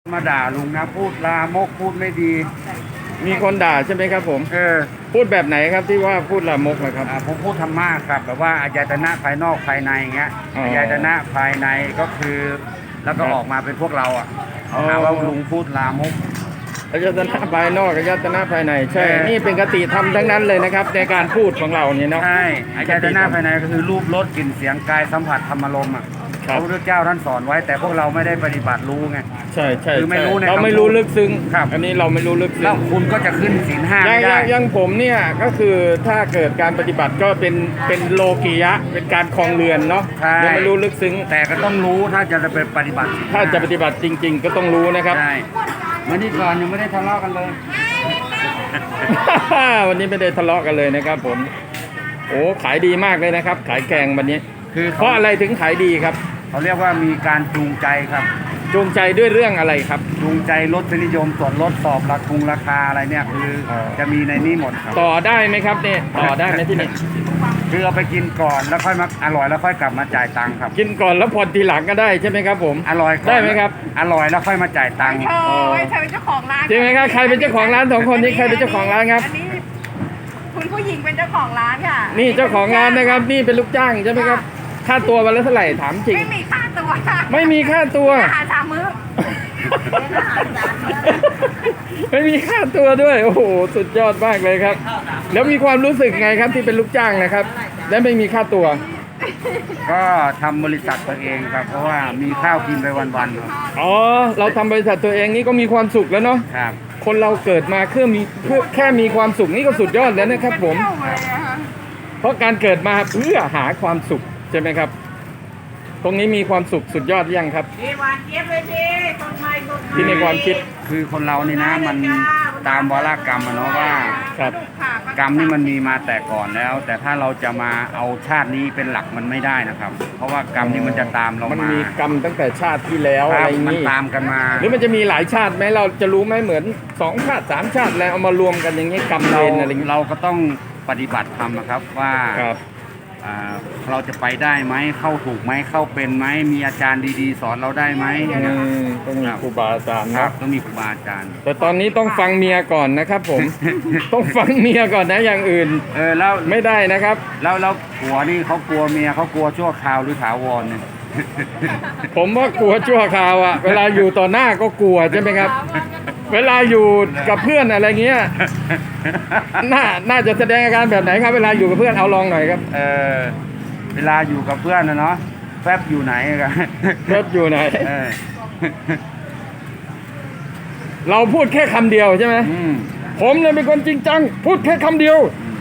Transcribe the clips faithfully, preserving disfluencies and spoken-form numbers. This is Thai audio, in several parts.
มาด่าลุงนะพูดลามกพูดไม่ดีมีคนด่าใช่ไหมครับผมเออพูดแบบไหนครับที่ว่าพูดลามกนะครับอ่าผมพูดธรรมะครับแบบว่าอายตนะภายนอกภายในอย่างเงี้ยอ๋ออายตนะภายในก็คือ แล้วก็ครับออกมาเป็นพวกเราอ่ะอ๋อหาว่าลุงพูดลามกอายตนะภายนอกอายตนะภายในใช่เออนี่เป็นคติธรรมทั้งนั้นเลยนะครับในการพูดของเราเนี่ยเนาะใช่อายตนะภายในก็คือรูปรสกลิ่นเสียงกายสัมผัสธรรมารมณ์อ่ะครับพระพุทธเจ้าท่านสอนไว้ แต่พวกเราไม่ได้ปฏิบัติรู้ไงใช่ใช่คือไม่รู้ในเราคำพูดไม่รู้ลึกซึ้งครับอันนี้เราไม่รู้ลึกซึ้แล้วงคุณก็จะขึ้นศีลห้าอย่าไม่งอได้ย่างอย่างผมเนี่ยก็คือถ้าเกิดการปฏิบัติก็เป็นเป็นโลกียะเป็นการคลองเรือนเนาะใช่ยังไม่รู้ลึกซึ้งแต่ก็ต้องรู้ถ้าจะไปปฏิบัติศีลห้ถ้าจะปฏิบัติจริง ๆ ก็ต้องรู้นะครับใช่วันนี้ก่อนยังไม่ได้ทะเลาะกันเลยวันนี้ไม่ได้ทะเลาะกันเลยนะครับผมโอ้ขายดีมากเลยนะครับ ขายแกงวันนี้คือเพราะอะไรถึงขายดีครับเขาเรียกว่ามีการจูงใจครับจูงใจด้วยเรื่องอะไรครับจูงใจลดนิยมส่วนลดสอบราคงราคาอะไรเนี่ยคือออจะมีในนี้หมดครับต่อได้ไหมครับเนี่ยต่อได้ไหมที่นี่คือเอาไปกินก่อนแล้วค่อยมาอร่อยแล้วค่อยกลับมาจ่ายตังค์ครับกินก่อนแล้วผ่อนทีหลังก็ได้ใช่ไหมครับผมอร่อยก่อนได้ไหมครับอร่อยแล้วค่อยมาจ่ายตังค์เธอไว้เธอเป็นเจ้าของร้านจริงไหมครับใครเป็นเจ้าของร้านสองคนนี้ใครเป็นเจ้าของร้านครับอันนี้คุณผู้หญิงเป็นเจ้าของร้านค่ะนี่เจ้าของร้านนะครับนี่เป็นลูกจ้างใช่ไหมครับค่าตัววันละเท่าไหร่ถามจริงไม่มีค่าตัวไม่มีค่าตัวอาหารสามมื้อไม่มีค่าตัวด้วยโอ้โหสุดยอดมากเลยครับ แล้วมีความรู้สึกไงครับที่เป็นลูกจ้างนะครับ และไม่มีค่าตัวก็ทำบริษัทตัวเองครับ เพราะว่ามีข้าวกินไปวันๆครับอ๋อเราทำบริษัทตัวเองนี่ก็มีความสุขแล้วเนาะครับคนเราเกิดมาเพื่อมีเพื่อแค่มีความสุขนี่ก็สุดยอดแล้วนะครับผมเป็นเที่ยวเลยอะค่ะเพราะการเกิดมาเพื่อหาความสุขใช่ไหมครับ ตรงนี้มีความสุขสุดยอดยังครับดีหวานเจี๊ยบเลยดีต้นไม้ต้นไม้ที่ในความคิดคือคนเรานี่นะมันตามวาระกรรมอะเนาะว่าครับกรรมนี่มันมีมาแต่ก่อนแล้ว แต่ถ้าเราจะมาเอาชาตินี้เป็นหลักมันไม่ได้นะครับ เพราะว่ากรรมนี่มันจะตามเรามันมามีกรรมตั้งแต่ชาติที่แล้วคอะรัไรบอย่างมันนี้ตามกันมาหรือมันจะมีหลายชาติไหมเราจะรู้ไหมเหมือนสองชาติสามชาติแล้วเอามารวมกันอย่างนี้กรรมเวเรารอะไรอย่างนี้เราก็ต้องปฏิบัติธรรมอะครับว่าครับอ่าเราจะไปได้ไหมเข้าถูกไหมเข้าเป็นไหมมีอาจารย์ดีๆ สอนเราได้ไหมอืมต้องมีครูบาอาจารย์ครันะบต้องมีครูบาอาจารย์แต่ตอนนี้ต้องฟังเมียก่อนนะครับ ผม ต้องฟังเมียก่อนนะอย่างอื่นเออแล้วไม่ได้นะครับแล้วแล้วผัวนี่เขากลัวเมียเขากลัวชั่วคราวหรือถาวรเนี่ยผมว่ากลัวชั่วคราวอะเวลาอยู่ต่อหน้าก็กลัวใช่ไหมครับ เวลาอยู่กับเพื่อนอะไรเงี้ยน่าน่าจะแสดงอาการแบบไหนครับ เวลาอยู่กับเพื่อนเอาลองหน่อยครับเออเวลาอยู่กับเพื่อนนะเนาะแฟบอยู่ไหนกันเพื่อนอยู่ไหนเออเราพูดแค่คำเดียวใช่ไหมอืมผมเนี่ยเป็นคนจริงจังพูดแค่คำเดียว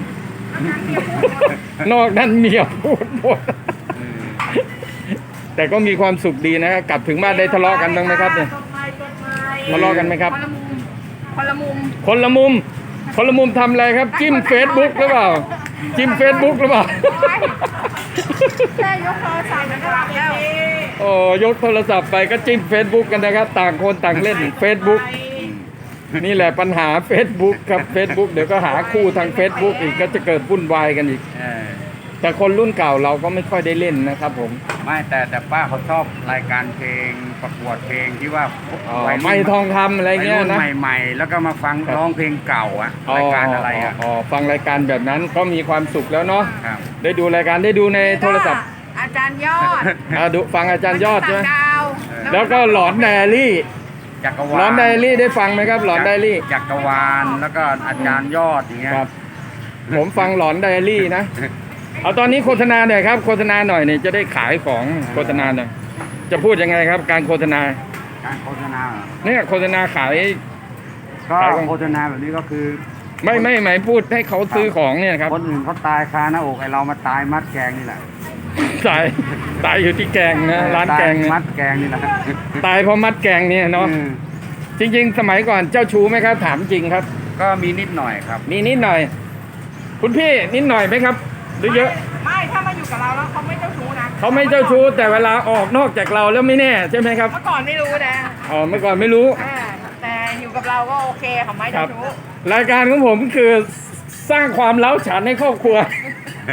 นอกนั้นเมียพูดหมดเออแต่ก็มีความสุขดีนะครับกลับถึงบ้านได้ทะเลาะกันบ้างไหมครับเนี่ยต้นไม้ต้นไม้ทะเลาะกันไหมครับคนละมุมคนละมุม คนละมุมทำอะไรครับ จิ้มเฟซบุ๊กหรือเปล่า จิ้มเฟซบุ๊กหรือเปล่าแค่ยกโทรศัพท์แล้วก็รับแล้วโอ้ยกโทรศัพท์ไปก็จิ้มเฟซบุ๊กกันนะครับ ต่างคนต่างเล่นเฟซบุ๊กนี่แหละปัญหา Facebook ครับ Facebook เดี๋ยวก็หาคู่ทาง Facebook อีกก็จะเกิดวุ่นวายกันอีกเออแต่คนรุ่นเก่าเราก็ไม่ค่อยได้เล่นนะครับผมไม่แต่แต่ป้าเขาชอบรายการเพลงประกวดเพลงที่ว่าอ๋อวัยรุ่นไม่ทองคำอะไรเงี้ยวัรุ่นะใหม่ๆ แล้วก็มาฟังครับร้องเพลงเก่าอะรายการอะไรอะอ๋อฟังรายการแบบนั้นก็มีความสุขแล้วเนาะครับได้ดูรายการได้ดูในโทรศัพท์อาจารย์ยอดอ่าดูฟังอาจารย์ยอดใช่ไหมดาวแล้วก็หลอนไดอารี่จักรหลวาอนลไดอารี่ได้ฟังไหมครับหลอนไดอารี่จักรวาลแล้วก็อาจารย์ยอดอย่างเงี้ยครับ ผมฟังหลอนไดอารี่นะ เอาตอนนี้โฆษณาหน่อยครับโฆษณาหน่อยเนี่ยจะได้ขายของโฆษณาหน่อยจะพูดยังไงครับ การโฆษณาการโฆษณาเหรอเนี่ยโฆษณาขายก็ขายของโฆษณาแบบนี้ก็คือไม่ไม่หมายพูดให้เขาซื้อของเนี่ยครับคนอื่นเขาตายคาหน้าอกไอเรามาตายมัดแกงนี่แหละตายตายอยู่ที่แกงนะร้านแกงตยนะมัดแกงนี่แหละตายเพราะมัดแกงเนี่ยเนาะอืมจริง ๆ สมัยก่อนเจ้าชู้ไหมครับ ถามจริงครับก็มีนิดหน่อยครับมีนิดหน่อย คุณพี่นิดหน่อยไหมครับ หรือเยอะไม่ถ้ามาอยู่กับเราแล้วเขาไม่เจ้าชู้นะเขาไม่เจ้าชู้แต่เวลาออกนอกจากเราแล้วไม่แน่ใช่ไหมครับเมื่อก่อนไม่รู้นะอ๋อเมื่อก่อนไม่รู้อ่าแต่อยู่กับเราก็โอเคเขาไม่ครัเจ้าบชู้รายการของผมคือสร้างความเล้าฉันให้ครอบครัว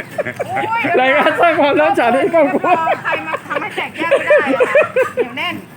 รายการสร้างความเล้าฉันให้ครอบครัวใครมาทำให้แตกแยกไม่ได้อะค่ะเหนียวแน่น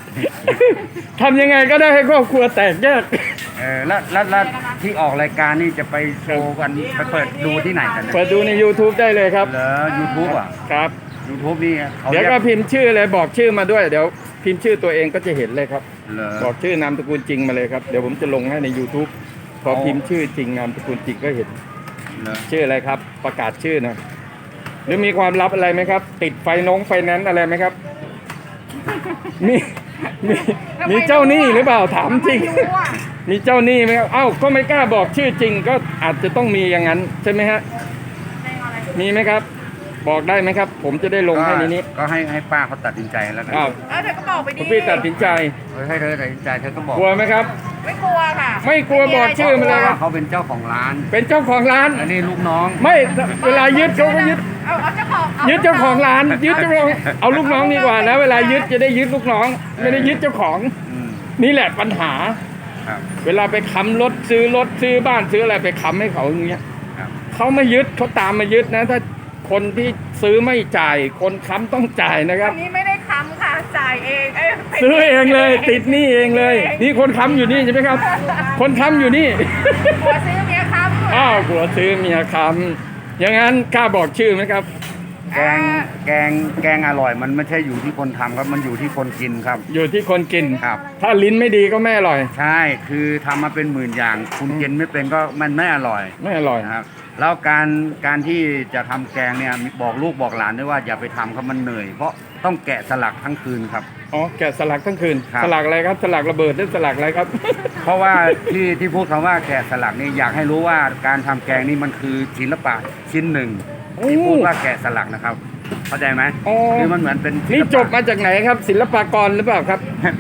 ทำยังไงก็ได้ให้ครอบครัวแตกแยกเออแล้วแล้วแล้วที่ออกรายการนี่จะไปโชว์กันไปเปิดดูที่ไหนกันนะเปิดดูใน YouTube ได้เลยครับเหรอ YouTube อ่ะครับ YouTube นี่เขาเดี๋ยวเรียก็กพิมพ์ชื่อเลยบอกชื่อมาด้วยเดี๋ยวพิมพ์ชื่อตัวเองก็จะเห็นเลยครับเหรอบอกชื่อนามสกุลจริงมาเลยครับเดี๋ยวผมจะลงให้ใน YouTube พอเอาพิมพ์ชื่อจริงนามสกุลจริงก็เห็นเหรอชื่ออะไรครับ ประกาศชื่อหนะหรือมีความลับอะไรไหมครับ ติดไฟนงไฟแนนซ์อะไรไหมครับ มีมีมีเจ้าหนี้หรือเปล่าถามจริงไม่รู้อ่ะมีเจ้าหนี้ไหมครับเอ้าก็ไม่กล้าบอกชื่อจริง ก็อาจจะต้องมีอย่างนั้นใช่ไหมฮะเพลงอะไรมีไหมครับ บอกได้ไหมครับ ผมจะได้ลงให้ในนี้ก็ให้ให้ป้าเขาตัดสินใจแล้วกันอ้าวเออเธอก็บอกไปดิคุณพี่ตัดสินใจเออให้เธอตัดสินใจเธอก็บอกกลัวไหมครับไม่กลัวค่ะไม่กลัวบอกชื่อมาเลยครับเขาเป็นเจ้าของร้านเป็นเจ้าของร้านอันนี้ลูกน้องไม่เวลายึดเขาก็ยึดเอาเอาเจ้าของยึดเจ้าของร้านยึดเจ้าของเอาลูกน้องดีกว่านะเวลายึดจะได้ยึดลูกน้อง ไม่ได้ยึดเจ้าของอืมนี่แหละปัญหาครับเวลาไปค้ำรถซื้อรถซื้อบ้านซื้ออะไรไปค้ำให้เขาอย่างเงี้ยครับเขาไม่ยึดเขาตามมายึดนะ ถ้าคนที่ซื้อไม่จ่าย คนค้ำต้องจ่ายนะครับอันนี้ไม่ได้ค้ำค่ะจ่ายเองเอ้ยซื้อเองเลย ติดหนี้เองเลย นี่คนค้ำอยู่นี่ใช่ไหมครับ คนค้ำอยู่นี่หัวซื้อเมียค้ำอ้าวผัวซื้อเมียค้ำอย่างนั้นกล้าบอกชื่อไหมครับแกงแกงแกงอร่อยมันไม่ใช่อยู่ที่คนทำครับมันอยู่ที่คนกินครับอยู่ที่คนกินครับถ้าลิ้นไม่ดีก็ไม่อร่อยใช่คือทำมาเป็นหมื่นอย่าง คุณกินไม่เป็นก็มันไม่อร่อยไม่อร่อยนะครับแล้วการการที่จะทำแกงเนี่ยบอกลูกบอกหลานด้วยว่าอย่าไปทำครับมันเหนื่อย เพราะต้องแกะสลักทั้งคืนครับอ๋อแกะสลักทั้งคืนครับสลักอะไรครับ สลักระเบิดหรือสลักอะไรครับเพราะว่าที่ที่พูดคำว่าแกะสลักนี่อยากให้รู้ว่าการทำแกงนี่มันคือศิลปะชิ้นหนึ่งที่พูดว่าแกะสลักนะครับ เข้าใจไหมอ๋อคือมันเหมือนเป็นศิลปะนี่จบมาจากไหนครับ ศิลปากรหรือเปล่าครับ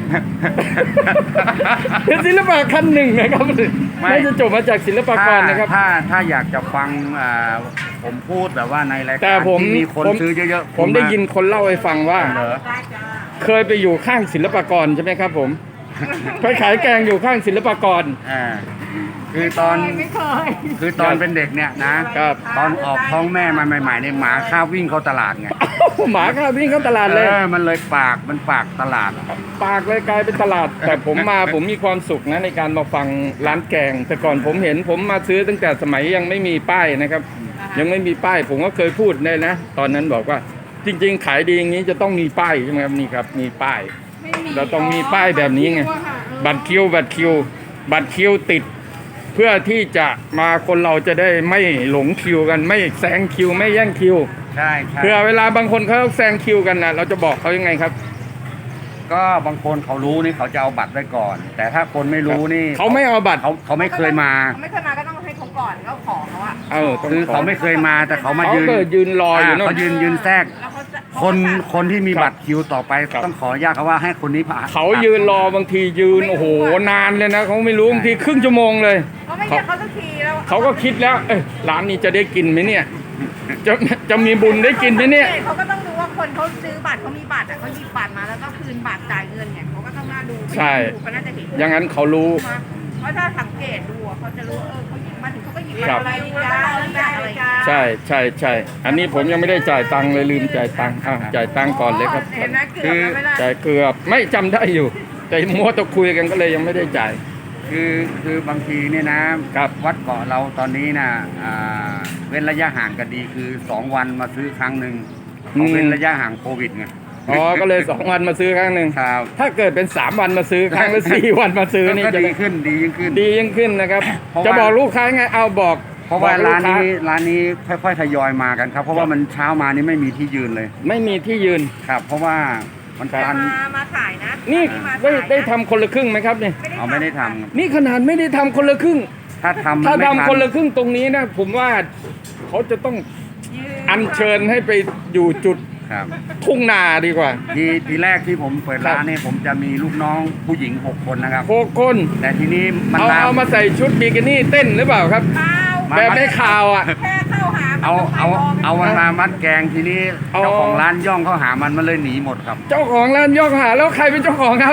เป็นศิลปะขั้นหนึ่งนะครับไม่ไม่จะจบมาจากศิลปากรนะครับถ้าถ้าอยากจะฟังอ่าผมพูดแบบว่าในรายแต่การผมที่มีคนผมซื้อเยอะๆผมได้ยินคนเล่าให้ฟังว่าเหรอเคยไปอยู่ข้างศิลปากรใช่ไหมครับ ผม ไปขายแกงอยู่ข้างศิลปากรอ่าคือตอนไม่เคยคือตอนเป็นเด็กเนี่ยนะครับ ตอนออกท้องแม่มาใหม่ๆเนี่ยหมาข้าววิ่งเข้าตลาดไงหมาข้าวิ่งเข้าตลาดเลยเออมันเลยปากมันปากตลาดปากเลยกลายเป็นตลาด แต่ผมมาผมมีความสุขนะในการมาฟังร้านแกง แต่ก่อนผมเห็นผมมาซื้อตั้งแต่สมัยยังไม่มีป้ายนะครับ ยังไม่มีป้าย ผมก็เคยพูดเลยนะ ตอนนั้นบอกว่าจริง ๆ ขายดีอย่างนี้จะต้องมีป้ายใช่ไหมครับนี่ครับมีป้ายไม่มีเราต้องมีป้ายแบบนี้ไง บัตรคิวบัตรคิว บัตรคิวติด เพื่อที่จะมาคนเราจะได้ไม่หลงคิวกันไม่แซงคิวไม่แย่งคิวใช่ใช่เพื่อเวลาบางคนเขาแซงคิวกันนะเราจะบอกเขายังไงครับก็บางคนเขารู้นี่เขาจะเอาบัตรไว้ก่อน แต่ถ้าคนไม่รู้นี่เขาไม่เอาบัตรเขาเขาไม่เคยมาเขาไม่เคยมาก็ต้องให้เขาก่อนก็ขอเขาอะเออต้องคือเขาไม่เคยมาแต่เขามาเขายืนเปิดยืนรออยู่านู่นเขายืนยืนแทรกแล้วเขาจะคนคนที่มีครับบัตรคิวต่อไปครับต้องขออนุญาตเขาว่าให้คนนี้ผ่านเขายืนรอบางทียืนโอ้โหนานเลยนะเขาไม่รู้บางทีครึ่งชั่วโมงเลยเขาไม่เรียกเขาสักทีแล้วเขาก็คิดแล้ว เอ้ยร้านนี้จะได้กินไหมเนี่ย จะจะมีบุญได้กินไหมเนี่ยเขาก็ต้องดูว่าคนเขาซื้อบัตรเขามีบัตรอ่ะเขาหยิบบัตรมาแล้วก็คืนบัตรจ่ายเงินเนี่ยเขาก็ต้องน่าดูใช่เขาน่าจะเห็นอย่างนั้นเขารู้เพราะถ้าสังเกตดูอะเขาจะรู้เออเขาหยิบมาถึงเขาก็หยิบครับอะไรจ้าอะไรจ้าใช่ใช่ใช่อันนี้ผมยังไม่ได้จ่ายตังค์เลยลืมจ่ายตังค์อ่ะจ่ายตังค์ก่อนเลยครับเห็นไหมเกือบแล้วไม่ได้จ่ายเกือบไม่จำได้อยู่ แต่มัวแตะคุยกันก็เลยยังไม่ได้จ่ายคือคือบางทีเนี่ยนะครับวัดเกาะเราตอนนี้นะอ่าเว้นระยะห่างกันดีคือสองวันมาซื้อครั้งหนึ่งอืมเขาเว้นระยะห่างโควิดไงอ๋อก็เลยสองวันมาซื้อครั้งหนึ่งครับถ้าเกิดเป็นสามวันมาซื้อครั้งหรือสี่วันมาซื้อนี่ก็จะดีขึ้นดียิ่งขึ้นดียิ่งขึ้นนะครับเพราะว่าจะบอกลูกค้าไงเอาบอกเพราะว่าบอกลูร้าก นค้นี้ร้านนี้ค่อยๆทยอยมากันครับ เพราะว่ามันเช้ามานี่ไม่มีที่ยืนเลยไม่มีที่ยืนครับ เพราะว่ามันครับตันมามาขายนะนี่มาได้ขายนะได้ทำคนละครึ่งไหมครับเนี่ยเอาไม่ได้ทำครับนี่ขนาดไม่ได้ทำคนละครึ่งถ้าทำถ้าไม่ทำทัคนละครึ่งตรงนี้นะผมว่าเขาจะต้องยืนอัญเชิญให้ไปอยู่จุดครับทุ่งนาดีกว่าทีทีแรกที่ผมเปิดร้านเนี่ยผมจะมีลูกน้องผู้หญิงหกคนนะครับโคคนแต่ทีนี้มันเอาลามเอามาใส่ชุดบิกินี่เต้นหรือเปล่าครับเปล่ามาแบบในข่าวอ่ะแค่เข้าหามันเอาก็ไปเอารไม่เอามันมามัดแกงทีนี้เอาเจ้าของร้านย่องเข้าหามันมันเลยหนีหมดครับเจ้าของร้านยกหาแล้วใครเป็นเจ้าของครับ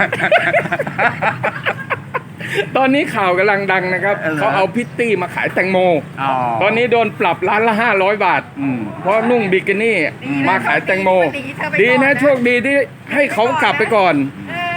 ตอนนี้ข่าวกำลังดังนะครับเออเหรอเขาเอาพิตตี้มาขายแตงโมอ๋อตอนนี้โดนปรับร้านละห้าร้อยบาทอืมเพราะนุ่งบิกินี่ดีนะมาขายแตงโมดีเธอไปดีก่อนะโชคดีที่ให้เขากลับไปก่อนเออไม่งั้น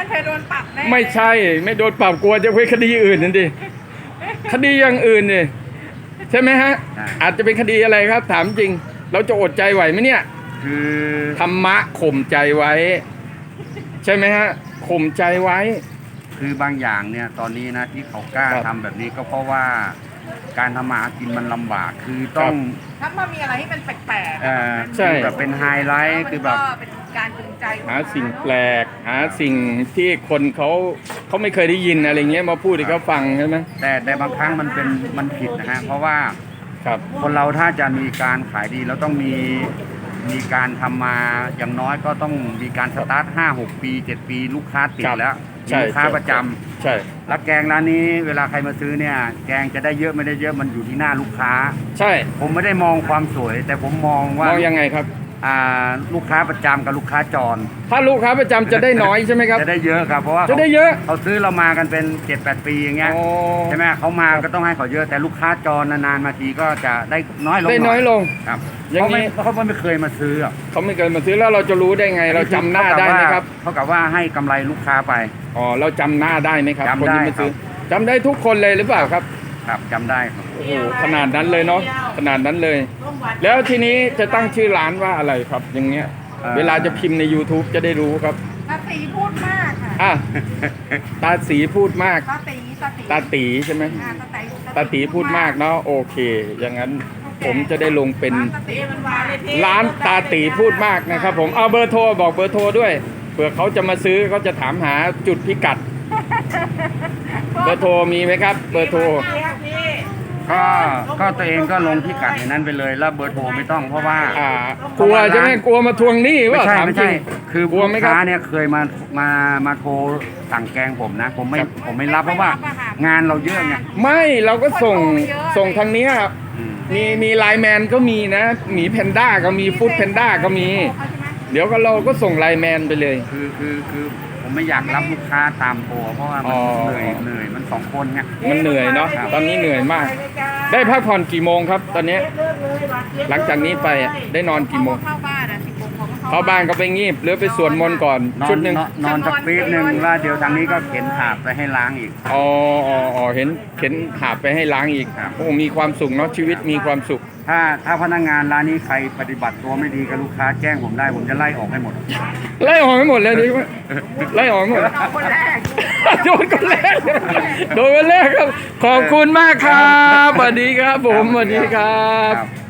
เคยโดนปรับแน่ไม่ใช่ไม่โดนปรับกลัวจะไปคดีอื่นนั่นดิคดีอย่างอื่นนี่ใช่ไหมฮะใช่อาจจะเป็นคดีอะไรครับ ถามจริง เราจะอดใจไหวไหมเนี่ยคือธรรมะข่มใจไว้ ใช่ไหมฮะข่มใจไว้คือบางอย่างเนี่ยตอนนี้นะที่เขากล้าครับทำแบบนี้ก็เพราะว่าการทำมาหากินมันลำบาก คือต้องถ้ามันมีอะไรที่เป็นแปลกๆเอ่อใช่คือแบบเป็นไฮไลท์คือแบบมันก็เป็นการจูงใจหาสิ่งแปลก หาสิ่งที่คนเขาเขาไม่เคยได้ยินอะไรเงี้ยมาพูดให้เขาฟังใช่ไหมแต่แต่บางครั้งมันเป็นมันผิดนะฮะเพราะว่าครับคนเราถ้าจะมีการขายดีเราต้องมีมีการทำมาอย่างน้อยก็ต้องมีการสตาร์ทห้าหกปีเจ็ดปีลูกค้าติดครับแล้วใช่มีลูกค้าใช่ประจำใช่แล้วแกงร้านนี้เวลาใครมาซื้อเนี่ย แกงจะได้เยอะไม่ได้เยอะมันอยู่ที่หน้าลูกค้าใช่ผมไม่ได้มองความสวย แต่ผมมองว่ามองยังไงครับอ่าลูกค้าประจำกับลูกค้าจรถ้าลูกค้าประจำจะได้น้อยใช่ไหมครับจะได้เยอะครับเพราะว่าจะได้เยอะเขาซื้อเรามากันเป็นเจ็ดแปดปีอย่างเงี้ยอ๋อใช่ไหมเขามาก็ต้องให้เขาเยอะแต่ลูกค้าจรนานๆมาทีก็จะได้น้อยลงได้น้อยลงครับอย่างเขานี้ไม่เขาไม่เคยมาซื้ออะเขาไม่เคยมาซื้อแล้วเราจะรู้ได้ไง เราจำหน้าได้ไหมครับเขากับว่าให้กำไรลูกค้าไปอ๋อเราจำหน้าได้ไหมครับจำคนที่ได้มาซื้อครับจำได้ทุกคนเลยหรือเปล่าครับครับจำได้ครับโอ้โหขนาดนั้นเลยเนาะขนาดนั้นเลย แล้วทีนี้จะตั้งชื่อร้านว่าอะไรครับ อย่างเงี้ย เวลาจะพิมพ์ใน YouTube จะได้รู้ครับตาตีพูดมากค่ะอ่ะตาสีพูดมากตาตีตาตีตาตีใช่ไหมอ่าตาตีตาตีพูดมากเนาะโอเค อย่างนั้นผมจะได้ลงเป็นร้านตาตีมันวาเลยพี่ร้านตาตีพูดมากนะครับ ผมเอาเบอร์โทรบอกเบอร์โทรด้วยเผื่อเขาจะมาซื้อเขาจะถามหาจุดพิกัด เบอร์โทรมีไหมครับ เบอร์โทรก็ก็ตัวเองก็ลงพิกัดอย่างนั้นไปเลยแล้วเบอร์โทรไม่ต้องเพราะว่าอ่ากลัวใช่ไหมกลัวมาทวงหนี้ไม่ว่าใช่ถามไม่จริใช่งคือกลัวลูไหมกครับค้าเนี่ยเคยมามามาโทรสั่งแกงผมนะ ผมไม่ครับผมไม่รับเพราะว่างานเราเยอะไงไม่เราก็ส่งส่งทางเนี้ยอืมมีมีไลน์แมนก็มีนะหมีแพนด้าก็มีฟู้ดแพนด้าก็มี เดี๋ยวก็เราก็ส่งไลน์แมนไปเลยคือคือคือผมไม่อยากรับลูกค้าตามโทรเพราะว่ามันอ๋อเหนื่อยเหนื่อยมันสองคนไงมันเหนื่อยเนาะตอนนี้เหนื่อยมาก ได้พักผ่อนกี่โมงครับ ตอนนี้ หลังจากนี้ไปอะได้นอนกี่โมงเข้าบ้านอ่ะสิบโมงเขาก็เข้าบ้านก็ไปงีบหรือไปสวดมนต์ก่อนนอชุนดหนึ่งนอนนอนสักปีดหนึ่งแล้วเดี๋ยวทางนี้ก็เข็นถาดไปให้ล้างอีกอ๋ออ๋ออ๋อเห็นเข็นหาบไปให้ล้างอีกครับโอ้มีความสุขเนาะชีวิตมีความสุขถ้าถ้าพนักงานร้านนี้ใครปฏิบัติตัวไม่ดีกับลูกค้าแจ้งผมได้ผมจะไล่ออกให้หมดไล่ออกให้หมดเลยดิไล่ออกให้หมดเราคนแรกโดนคนแรกโดนคนแรกครับ ขอบคุณมากครับสวัสดีครับผมสวัสดีครับครับ